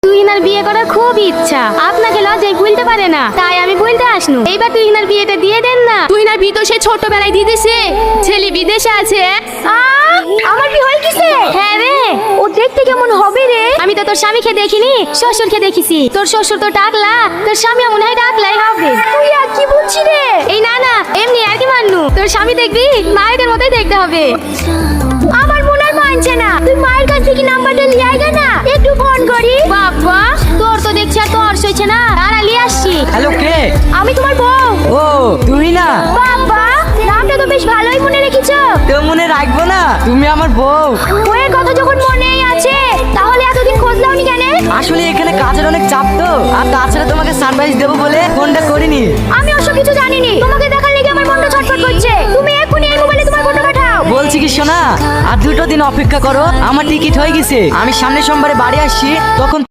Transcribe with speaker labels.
Speaker 1: তুহিনার বিয়ে করার খুব ইচ্ছা, আপনাকে লজ্জায় ভুলতে পারে না, তাই আমি ভুলতে আসনু। এইবার তুহিনার বিয়েটা দিয়ে দেন না।
Speaker 2: তুহিনার বিয়ে তো সে ছোটবেলায় দিয়ে দিছে, ছেলে বিদেশে আছে।
Speaker 1: আমার বিয়ে হয়ে গেছে? হ্যাঁ রে। ও দেখতে কেমন হবে রে? আমি তো তোর স্বামীকে দেখিনি, শ্বশুরকে দেখিছি। তোর শ্বশুর তো টাকলা, তোর স্বামী মনে হয় টাকলাই হবে। তুই আর কি বলছিস রে? এই না না, এমনি আর কি মান্নু। তোর স্বামী দেখবি মায়েদের মতোই দেখতে হবে। আমার মনে আর মানছে না। তুই মায়ের কাছ থেকে নাম্বারটা লিয়ে আইগা না, একটু ফোন করি। বাবা, তোর তো দেখছি আর তোর সইছে না। দাঁড়া লিয়ে আসছি।
Speaker 3: হ্যালো, কে?
Speaker 1: আমি তোমার বউ।
Speaker 3: ও তুমি না?
Speaker 1: বাবা, নামটা তো বেশ ভালোই মনে রেখেছো।
Speaker 3: তো মনে রাখবো না, তুমি আমার বউ।
Speaker 1: বউয়ের কথা যখন মনেই আছে, তাহলে এতদিন খোঁজ দাওনি কেন?
Speaker 3: আসলে এখানে কাজের অনেক চাপ তো, আর তাছাড়া তোমাকে সারপ্রাইজ দেবো বলে ফোনটা করিনি।
Speaker 1: আমি ওসব কিছু জানিনি। তোমাকে দেখার লেগে আমার মনটা ছটফট করছে। তুমি এক্ষুনি এই মোবাইলে তোমার ফটো পাঠাও।
Speaker 3: বলছি কি শোনা, আর 2টো দিন অপেক্ষা করো, আমার টিকিট হয়ে গেছে। আমি সামনের সোমবারে বাড়ি আসছি, তখন